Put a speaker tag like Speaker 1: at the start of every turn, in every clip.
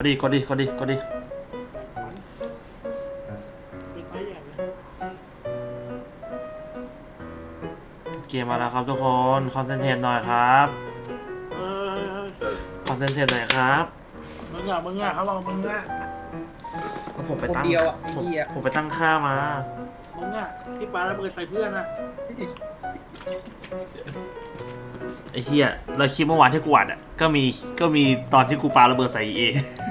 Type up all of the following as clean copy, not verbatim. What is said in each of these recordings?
Speaker 1: ดิกดดิกดดิกดดิเกมมาแล้วครับทุกคนคอนเซนเทรตหน่อยครับคอนเซนเทรตหน่อยครับ
Speaker 2: มึงอ่ะเขาบอกมึงอ่ะ
Speaker 1: ผมไปตั้งผมไปตั้งค่ามา
Speaker 2: มึงอ่ะที่ปาระเบิดใส่เพื่อนอ่ะ
Speaker 1: ไอ้เหี้ยเราคลิปเมื่อวานที่กูอัดอ่ะก็มีตอนที่กูปาระเบิดใส่เอ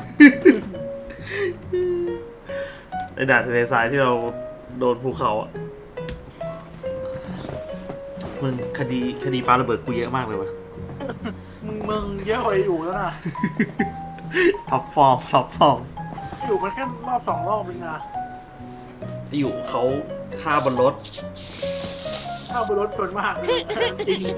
Speaker 1: ในด่านทะเลทรายที่เราโดนภูเขาอ่ะมึงคดีปาระเบิดกูเยอะมากเลยวะ
Speaker 2: มึงเยอะกว่าอยู่แล้วนะ
Speaker 1: ท็อปฟอร์ม
Speaker 2: อยู่มันแค่รอบ2 รอบเองนะ
Speaker 1: อยู่เขาฆ่าบนรถ
Speaker 2: เข้าไปรถชนมากเลยจริง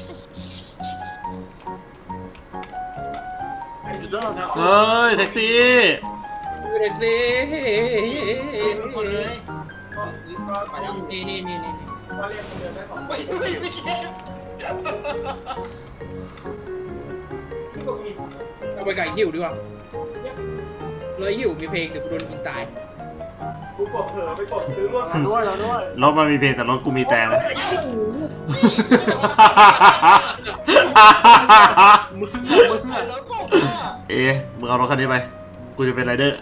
Speaker 1: เฮ้ยแท็กซี่
Speaker 3: เด็กสิหมดเลยไปแล้วนี่
Speaker 2: ว่าเรียกคนเดินได้2
Speaker 3: ไม่เอาไปไก่หิวดีกว่าเลยหิวมีเพลงเดี๋ยวกูโดนยิงตาย
Speaker 2: กูกดเผลอไปกดซื้อร่วมด้วย
Speaker 1: รถมันมีเพลงแต่รถกูมีแต่นะ
Speaker 2: มึง
Speaker 1: มึงเอารถคันนี้ไปกูจะเป็นไรเดอร์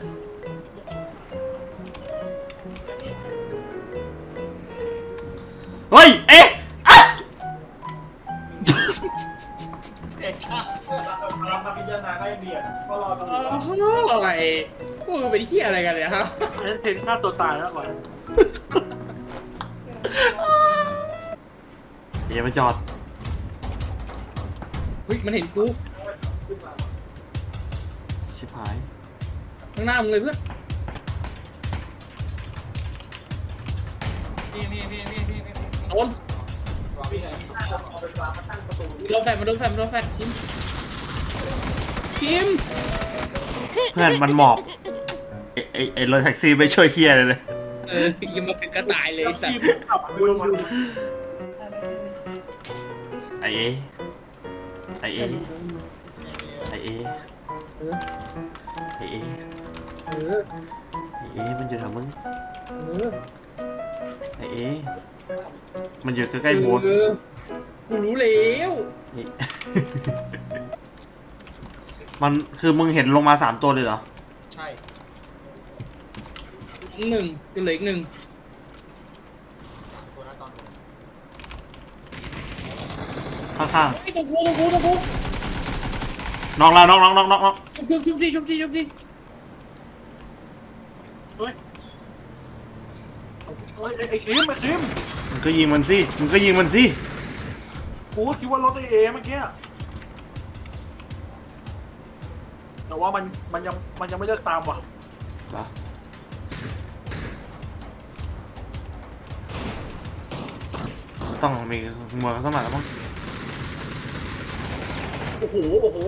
Speaker 1: เฮ้ย
Speaker 2: เรามาพิจารณาได้เบียดก็รอตรงนี้
Speaker 3: อะไรพวกมึงเป็นเหี้ยอะไรกันเนี่ยครับ
Speaker 2: อันนั้นเทนฆ่าตัวตายแล้วก่อน
Speaker 1: อย่ามาจอด
Speaker 3: เฮ้ยมันเห็นกู
Speaker 1: ชิบหาย
Speaker 3: ข้างหน้ามึงเลยเพื่อนโดนมันโดนแฟดคิม
Speaker 1: เพื่อนมันหมอบไอ้รถแท็กซี่ไม่ช่วยเฮียเลย
Speaker 3: ยังมาเป็นกระต่ายเลยแต่
Speaker 1: ไอเอมันอยู่แถวมึงไอเอมันอยู่ใกล้ๆโบส
Speaker 3: กูรู้แล้ว
Speaker 1: มันคือมึงเห็นลงมา3 ตัวเลยเหรอ
Speaker 3: ใช่1ก็เหลืออีก1ตัวนะตอน
Speaker 1: ข้างๆ
Speaker 3: ตรงกู
Speaker 1: น้อง
Speaker 3: ชุบดิ
Speaker 2: เฮ้ยไอ้คิม
Speaker 1: มึงก็ยิงมันสิ
Speaker 2: กูคิดว่ารถเมื่อกี้แต่ว่ามันยังไม่เลิกตามว่ะ
Speaker 1: ต้องมีมือสักหน่อยแล้วมั้ง
Speaker 2: โอ้โห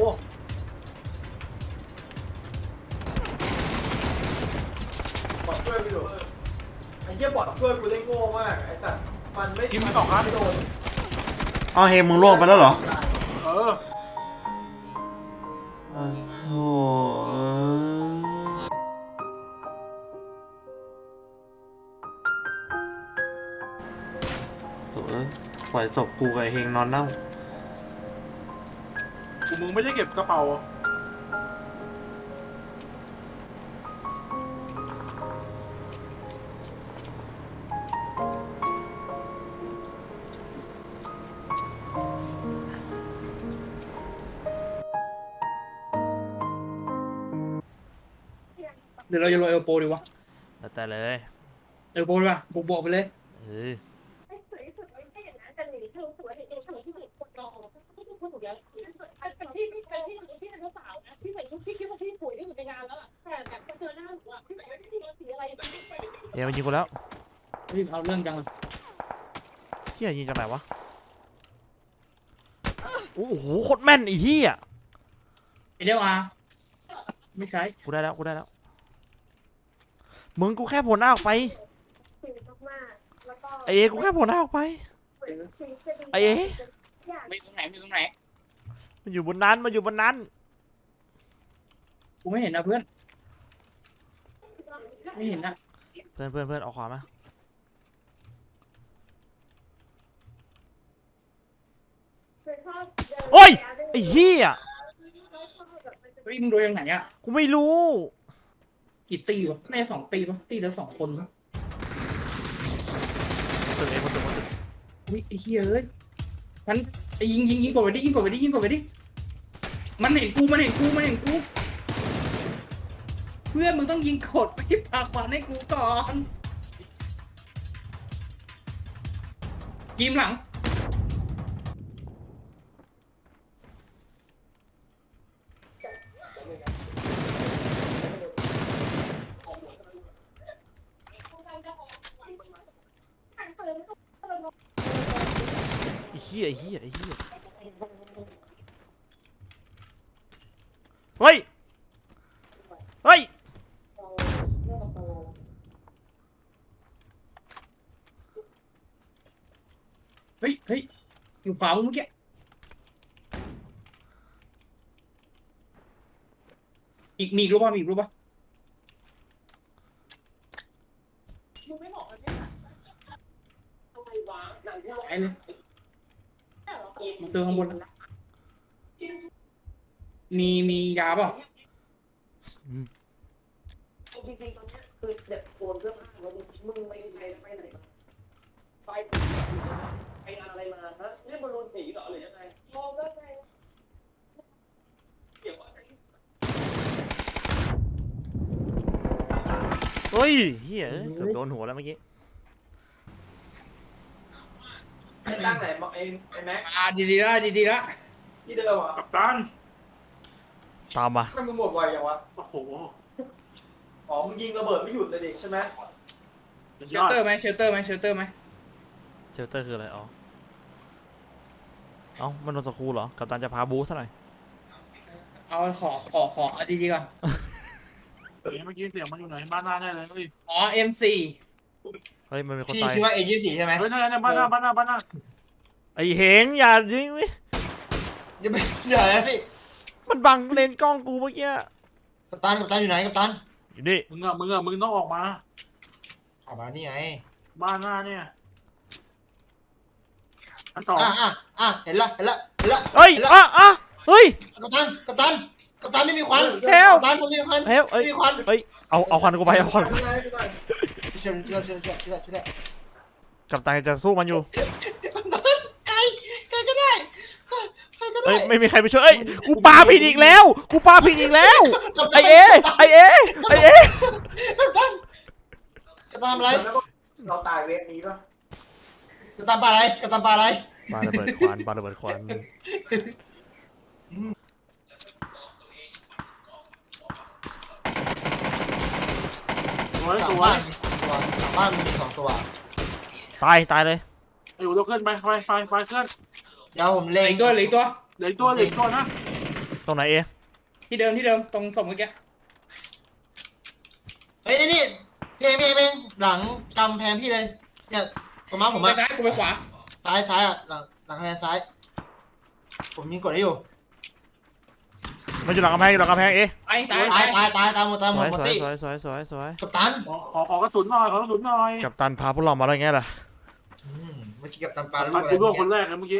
Speaker 2: บอดช่วยไปดูไอ้เหี้ยบอดช่วยกูได้โง่มากไอ้สัตว์มันไม่กินมัน2 นัดไม่โดน
Speaker 1: อ๋อเฮมึงล่วงไปแล้วเหรอ
Speaker 2: โอ้
Speaker 1: โหปล่อยศพกูกับเฮงนอนเน่า
Speaker 2: มึงไม่ได้เก็บกระเป๋า
Speaker 3: เดี๋ยวเราจะโรยเอลโปดีวะ
Speaker 1: แล้วแต่เลย
Speaker 3: เอลโปดีวะบวกไปเลย
Speaker 1: มันยิงกูแล้ว
Speaker 3: เอาเรื่องจังเลย
Speaker 1: เฮียยิงจากไหนวะโอ้โหโคตรแม่นไอ้เฮีย
Speaker 3: เดี๋ยวไม่ใช่
Speaker 1: กูได้แล้วมึงกูแค่โผล่หน้าออกไปไอเอกูแค่โผล่หน้าออกไปไอเอ
Speaker 3: ไม่ตรงไหน
Speaker 1: มันอยู่บนนั้น
Speaker 3: กูไม่เห็นนะเพื่อนไม่เห็นนะ
Speaker 1: เพื่อนเอาขวามาโอ้ยไอ้เหี้ย
Speaker 3: เฮ้ยมึงโดนยังไงอ่ะ
Speaker 1: กูไม่รู้
Speaker 3: กี่ตีวะใน2 ตีปะตีละ2 คนปะ
Speaker 1: ตึกเองคนตึก
Speaker 3: อุ้ยไอ้เหี้ยเอ้ยฉันยิงกดไปดิยิงกดไปดิมันเห็นกูเพื่อนมึงต้องยิงกดไปพาขวานให้กูก่อนยิมหลัง
Speaker 1: ไอ้เหี้ยเฮ้ยเฮ้ย
Speaker 3: อยู่ขวามึงเมื่อกี้มีอีกรู้ป่ะไอ้เลยมาเจอข้างบนแล้วมียาเปล่า
Speaker 4: จริงๆตอนนี้คือเด็กโกนเสื้อผ้าแล้วมึงไปไหนมาไปงานอะไรมาฮะนี่บอลลูนสีเหรอหรือยังไงมองได้ไงเกี่ยวอะไร
Speaker 1: เฮ้ยเหี้ยเกือบโดนหัวแล้วเมื่อกี้
Speaker 2: ไอ้ตั้งไหนบอกไอ้แม็ก
Speaker 3: ดีละ
Speaker 2: ที่เดิมอ่ะ
Speaker 3: กัปตัน
Speaker 1: ตามมา
Speaker 2: มันมึงหมดไวยังวะ
Speaker 3: โอ้โห
Speaker 2: อ๋อมึงยิงระเบิดไม่หยุดเลยดิใช่ไหม
Speaker 3: เชลเตอร์ไหม
Speaker 1: เชลเตอร์คืออะไรอ๋อเอ้ามันโดนสกรูเหรอกัปตันจะพาบูซะหน่อย
Speaker 3: เอาขอเอาดีๆก่อน
Speaker 5: เมื่อกี้เสียงมันอยู่ไหนบ้านหน้าแน่เลยเฮ้ย
Speaker 3: อ๋อ M4
Speaker 1: เฮ้ยมันมีคน
Speaker 6: พี่
Speaker 1: ตาย
Speaker 6: คิดว่าA24ใช่ไหม
Speaker 5: นั่นบ้านหน้า
Speaker 1: ไอ้เหงอย่ายิงวิ
Speaker 6: อย่าไปอย่าเลยพี่
Speaker 1: มันบังเลนกล้องกูเมื่อกี้
Speaker 6: กัปตันอยู่ไหนกัปตัน
Speaker 1: อยู่นี่
Speaker 5: มึงต้องออกมา
Speaker 6: ออกมานี่ไง
Speaker 5: บ้านหน้าเนี่ยอันต่อ
Speaker 6: เห็นละ
Speaker 1: เฮ้ย
Speaker 6: เห็นละ
Speaker 1: เฮ้ย
Speaker 6: กัปตันไม่มีควัน
Speaker 1: เฮล
Speaker 6: กัปตันไม่มีควัน
Speaker 1: เฮ้ย
Speaker 6: ไม่มีควัน
Speaker 1: เฮ้ยเอาควันกูไปเอาควันกู
Speaker 2: ไม่ได้ไม่ได้
Speaker 6: ช่วย
Speaker 1: กัปตันจะสู้มันอยู่
Speaker 6: กัปตันใครก็ได้ใครก็ได้
Speaker 1: เฮ้ยไม่มีใครไปช่วยเอ้ยกูปาผิดอีกแล้วไอเอ
Speaker 6: กัปตันอะไร
Speaker 2: เราตายเวฟนี้ป่ะ
Speaker 6: กัปตันปลาอะไร
Speaker 1: ปาระเบิดควัน
Speaker 5: สวย
Speaker 6: หลั
Speaker 5: ส
Speaker 6: ง
Speaker 5: ว
Speaker 6: บ้าย นมี2 ตัว
Speaker 1: ตายเลย
Speaker 5: ไอ้หัวเราขึ้นไปไฟขึ้น
Speaker 6: เดี๋ยวผม
Speaker 3: เหลื
Speaker 6: เล็
Speaker 3: อง อีกตัว
Speaker 5: เหลือตัวนะ
Speaker 1: ตรงไหนเอ
Speaker 3: ที่เดิมตรงศพเมื่อกี้
Speaker 6: เฮ้ยนี่เพลงหลังกำแพงพี่เลยเนี่ยประมาณผม
Speaker 3: ไป
Speaker 6: อะ
Speaker 3: ซ้ายกูไปขวา
Speaker 6: ซ้ายอ่ะหลังกำแพงซ้ายผมยิงกดได้อยู่
Speaker 1: มันอยู่หลังกำแพงเอ
Speaker 3: ตาย
Speaker 6: ตายหมด
Speaker 1: สวย
Speaker 6: หมดตี้
Speaker 1: กัป
Speaker 6: กัปตัน
Speaker 5: ขอกระสุนหน่อย
Speaker 1: ตันพาพวกเรามาได้ไงล่ะ
Speaker 6: เมื่อกี้กัปตันปลาลูก
Speaker 5: มัน
Speaker 6: อะไร
Speaker 5: กูร่วงคนแรกเลยเมื่อกี้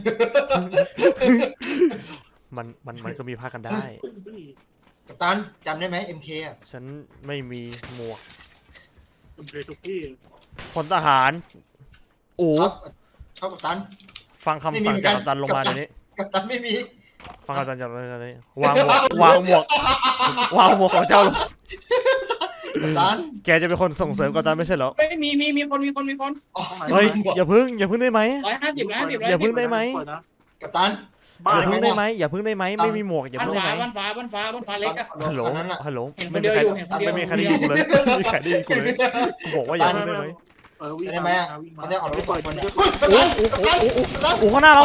Speaker 1: มันก็มีพากันได้
Speaker 6: กัปตันจำได้ไหม MK อ่ะ
Speaker 1: ฉันไม่มีหมวก
Speaker 5: ผมเคยทุกที่
Speaker 1: พลทหารโอ้
Speaker 6: ชอบกัปตัน
Speaker 1: ฟังคำสั่งจากกัปตันลงมาเดี๋ยวนี้
Speaker 6: กัปตันไม่มี
Speaker 1: ฟังกัปตันจากเดี๋ยวนี้วางหมวกของเจ้าลง
Speaker 6: กัปตัน
Speaker 1: แกจะเป็นคนส่งเสริมกัปตันไม่ใช่เหรอ
Speaker 3: ไม่มีคน
Speaker 1: เฮ้ยอย่าพึ่งได้ไหม
Speaker 3: 150นะ
Speaker 1: อย่าพึ่งได้ไหม
Speaker 6: กัปตัน
Speaker 5: บ้า
Speaker 1: อย่าพึ่งได้ไหมไม่มีหมวกอย่า
Speaker 3: บ้าน
Speaker 1: พึ่งได้
Speaker 3: ฟ้า
Speaker 1: ไหม
Speaker 3: บ้านฟ้าเล็กอะ
Speaker 1: ฮัลโหล
Speaker 6: ตอนนั้นอ่ะ
Speaker 1: ฮัลโหล
Speaker 3: เห็นคนเดียวอยู่เห็นคนเดียว
Speaker 1: ไม่มีใครได้ยินกูเลยไม่มีใครได้ยินกูเลยกูบอกว่าอย่าพึ่งได้ไหม
Speaker 5: วิ่ง
Speaker 6: ได้ไหมอ่ะ
Speaker 5: วิ่ง
Speaker 6: ตอนนี้ออกรถ
Speaker 5: ปล่อย
Speaker 6: คน
Speaker 5: เ
Speaker 6: เนี่ยกัปตันกัปตัน
Speaker 1: โอ้ข้างหน้าเรา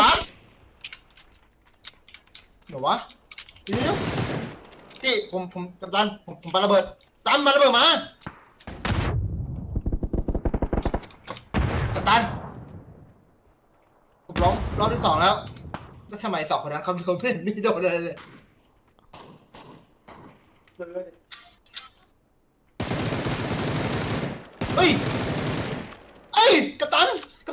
Speaker 6: เดี๋ยววะเดี๋ยวพี่ผมกัปตันผมปาระเบิดตั้มมาระเบิดมากัปตันผมร้องรอบที่2แล้วแล้วทำไม2 คนนั้นเขาไม่โดนเลย
Speaker 2: ซื้อดิ
Speaker 6: เฮ้ยเอ้ยกัปตัน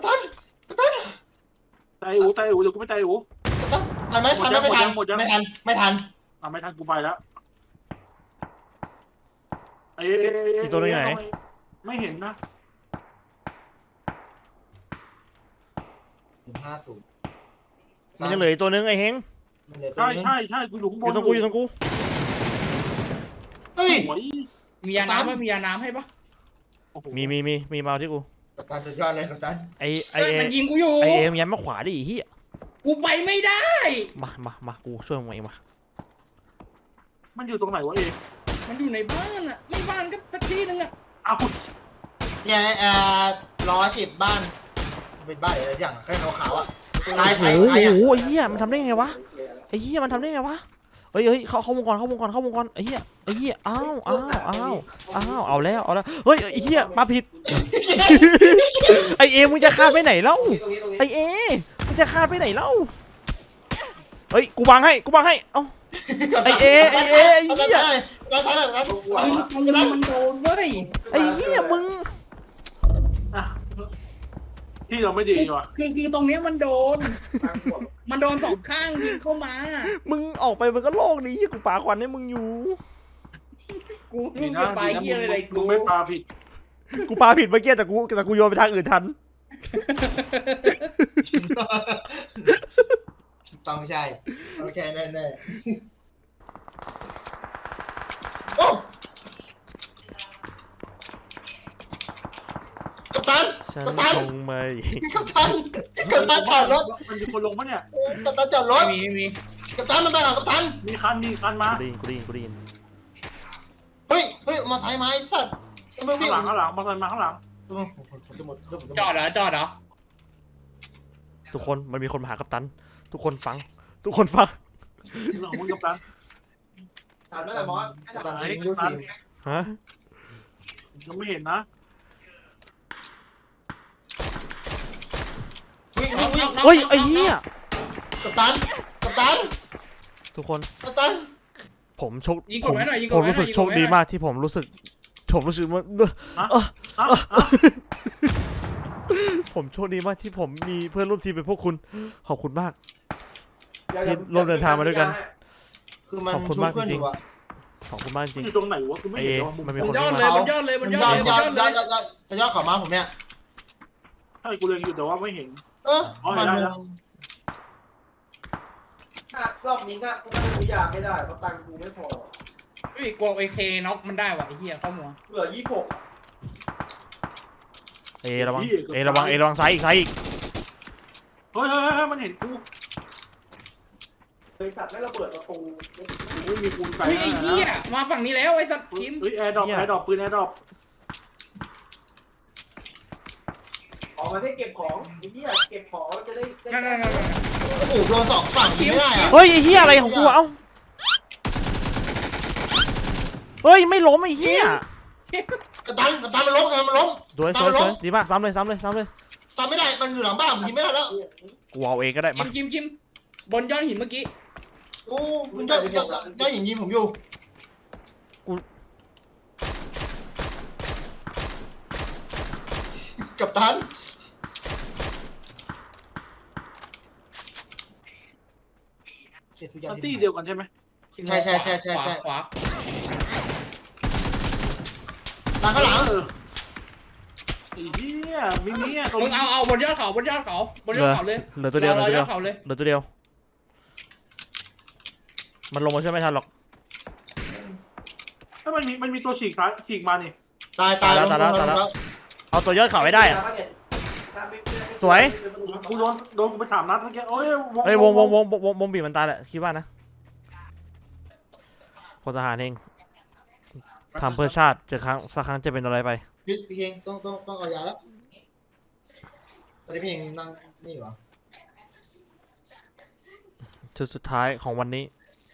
Speaker 5: ตายอูเดี๋ยวกูไม่ตายอู
Speaker 6: ทันไหมทันไหมไม่ทัน
Speaker 5: หมดยัง
Speaker 6: ไม่ทัน
Speaker 5: ไม่ทันกูไปแล้วไม่เห็นนะ
Speaker 6: 150
Speaker 1: มันยังเหลืออีกตัวนึงไอ้เฮง
Speaker 6: มันเหลือตัว
Speaker 5: ใช่
Speaker 6: นึง
Speaker 5: ใช่กูอยู่ข้างบ
Speaker 1: อน ยู่ตรงกูอยู่ตรงกู
Speaker 6: เฮ้ย
Speaker 5: สวย
Speaker 3: มียาน้ำปะมียาน้ำให้ปะ
Speaker 1: มีมาที่กู
Speaker 6: กัปตันสุดยอดเลยกัปตัน
Speaker 1: ไอ
Speaker 3: เฮ้ยมันยิงกูอยู่
Speaker 1: เอมยันมาขวาดิไอ้เฮีย
Speaker 3: กูไปไม่ได้
Speaker 1: มากูช่วยมึงเองมา
Speaker 5: มันอยู่ตรงไหนวะเอ
Speaker 3: มันอยู่ในบ้านอ่ะไม่บ้านก็สักที่นึงอ่ะ
Speaker 5: อ้าว
Speaker 6: เนี่ย110บ้านเป็นบ้านอะไรอย่างแค่ขาวๆอ่ะตาย
Speaker 1: โอ้โห
Speaker 6: อ่ะ
Speaker 1: ไอ้เหี้ยมันทำได้ไงวะไอ้เหี้ยมันทำได้ไงวะเฮ้ยเข้าวงก่อนไอ้เหี้ยอ้าวเอาแล้วเฮ้ยไอ้เหี้ยมาผิดไอเอมึงจะคาดไปไหนเล่า
Speaker 2: ตรงนี้
Speaker 1: ไอเอมึงจะคาดไปไหนเล่าเฮ้ยกูบังให้เอ้าไอเอไอเหี้ย
Speaker 3: มันโดนเว้ย
Speaker 1: ไอเหี้ยมึง
Speaker 5: ที่เราไม่ดีว่ะ
Speaker 3: คือตรงเนี้ยมันโดน มันโดนสองข้างยิงเข้ามา
Speaker 1: มึงออกไปมันก็โล่งดีกูปาควันให้มึงอยู่
Speaker 3: กู
Speaker 5: ดี
Speaker 3: มึง
Speaker 5: นะ
Speaker 3: จะไปเยี่ยอะไร
Speaker 5: มึ
Speaker 3: กู
Speaker 5: งไม่ปาผิด
Speaker 1: กูปาผิดเมื่อกี้แต่กูโยนไปทางอื่นทัน
Speaker 6: ต้องใช่แน่โอ้กัปตัน
Speaker 1: ฉัน
Speaker 6: กัปตัน
Speaker 1: คงไม่
Speaker 6: กัปตันจอดรถ
Speaker 5: มันมีคนลงปะเนี่ย
Speaker 6: กัปตันจอดรถ
Speaker 3: มี
Speaker 6: กัปตันมันไปหรอกัปตัน
Speaker 5: มีคันมา
Speaker 1: กูได้ยิน
Speaker 6: เฮ้ยมาสายไม้สัตว์มึงวิ่ง
Speaker 5: ข้างหลังมาข้างหลัง
Speaker 3: จอดเหรอ
Speaker 1: ทุกคนมันมีคนมาหากัปตันทุกคนฟัง
Speaker 5: หลังมึงกับตัน
Speaker 2: ถามนั่นแหละมอส
Speaker 6: กัปตันยิงดูสิ
Speaker 1: ฮะ
Speaker 5: ยังไม่เห็นนะ
Speaker 6: วิ่ง
Speaker 1: เฮ้ยไอ้เหี้ย
Speaker 6: กัปตัน
Speaker 1: ทุกคน
Speaker 6: กัปตัน
Speaker 1: ผมโชค
Speaker 3: ยิงกดไว้หน่อยยิงก
Speaker 1: ผ
Speaker 3: ด
Speaker 1: ม
Speaker 3: ไว้หน่อย
Speaker 1: รู้สึกโชคดีมากที่ผมรู้สึกว่าผมโชคดีมากที่ผมมีเพื่อนร่วมทีมเป็นพวกคุณขอบคุณมาก
Speaker 6: คือมันชุบเพื่อนอยู่อะ
Speaker 1: ขอบคุณมากจริง
Speaker 5: อยู่ตรงไหนวะกูไม่
Speaker 1: ไอ
Speaker 5: เห็
Speaker 1: เอน
Speaker 5: ว่ามึง
Speaker 1: มันมี
Speaker 3: บ
Speaker 1: คน
Speaker 3: นยอด
Speaker 1: ที่
Speaker 3: เลย
Speaker 1: มา
Speaker 3: บนยอดเลย
Speaker 6: จะยอดเขามาผมเนี่ย
Speaker 5: ใช่กูเล็งอยู่แต่ว่าไม่เห็น
Speaker 6: มัน
Speaker 2: รอบนี้ก็ไม่ซื้อยาไม่ได้เพราะตังค์กูไม่พอ
Speaker 3: เฮ้ยกลัวAKน็อกมันได้ว่ะไอ้เหี้ยเข้าหัว
Speaker 2: เหลือ26
Speaker 1: ระวังซ้ายอีก
Speaker 5: เฮ้ยมันเห็นกู
Speaker 2: บริษัทไม่ระเบิดประตู
Speaker 5: ไม่มีปูนไก่
Speaker 3: เฮ้ยไอ้เหี้ยมาฝั่งนี้แล้วไอ้สัตว์ทีม
Speaker 5: เฮ้ยแอร์ดรอปปืนแอร์ดรอป
Speaker 2: ออกมาได้เก็บของไอ้เหี้ยเก็บของจะได้
Speaker 3: นั่น
Speaker 6: โอ้โหโดนสองฝั่งยิงไม่ได้อะ
Speaker 1: เฮ้ยไอ้เหี้ยอะไรของกูเอ้าเฮ้ยไม่ล้มไอ้เหี้ย
Speaker 6: กัปตันมันล้ม
Speaker 1: สวยดีมากซ้ำเลย
Speaker 6: ตามไม่ได้มันอยู่หลังบ้านยิงไม่ได้แล้ว
Speaker 1: กูเอาเองก็ได้มา
Speaker 3: คิมบนยอดหินเมื่อกี้
Speaker 6: โอ้มันได้ยิงผมอยู่กัปตัน
Speaker 5: ปาร์ตี้เดียวกันใช่ไหม
Speaker 6: ใช่
Speaker 3: ขวา
Speaker 6: ตามข้างหลัง
Speaker 5: ไอ้เหี้ยมินิอ่ะตรง
Speaker 3: มึงเอาบนยอดเขาเลย
Speaker 1: เหลือตัวเดียว
Speaker 3: ยอดเขาเลย
Speaker 1: มันลงมาช่วยไม่ทันหรอก
Speaker 5: ถ้ามันมีตัวฉีกซ้ายฉีกมานี่
Speaker 6: ตายแล้ว
Speaker 1: เอาตัวยอดเขาให้ได้อะสวย
Speaker 5: กูโดนกูไป3 นัดเมื่อกี้โอ้ย
Speaker 1: เฮ้ยวงบีบมันตายแหละคิดว่านะพลทหารเองทำเพื่อชาติเจอสักครั้งจะเป็นอะไรไป
Speaker 6: พี่เองต้องเอายาแล้วแต่พี่เองนั่งนี่เหรอ
Speaker 1: ชุดสุดท้ายของวันนี้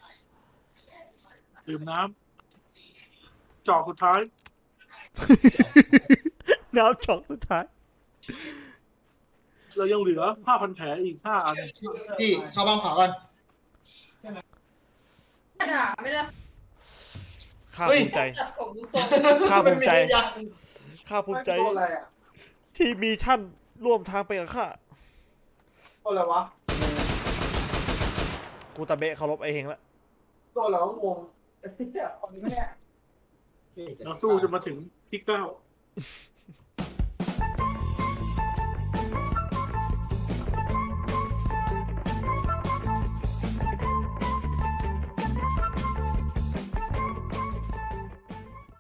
Speaker 5: ดื่มน้ำจอกสุดท้าย
Speaker 1: น้ำช็อกสุดท้าย
Speaker 5: เรายังเหลือ5,000 แผลอีก5 อัน
Speaker 6: พี่เข้าบ้านขวาก่อน
Speaker 3: ไม่ได้
Speaker 1: ข้า
Speaker 6: เฮ้ย
Speaker 1: ภูมิใจ
Speaker 3: จับผมตรง
Speaker 1: ข้าภูมิใจ
Speaker 6: ไม่มียา
Speaker 1: ข้าภูมิใจ
Speaker 2: โดนอะไรอ่ะ
Speaker 1: ที่มีท่านร่วมทางไปกับข้า
Speaker 2: โดนอะไรวะ
Speaker 1: กูตะเบะเคารพไอ้เฮงละ
Speaker 2: โดนอะไรวะงงไอ้เหี้ยเอาดิแม่
Speaker 5: เราสู้จนมาถึงที่ 9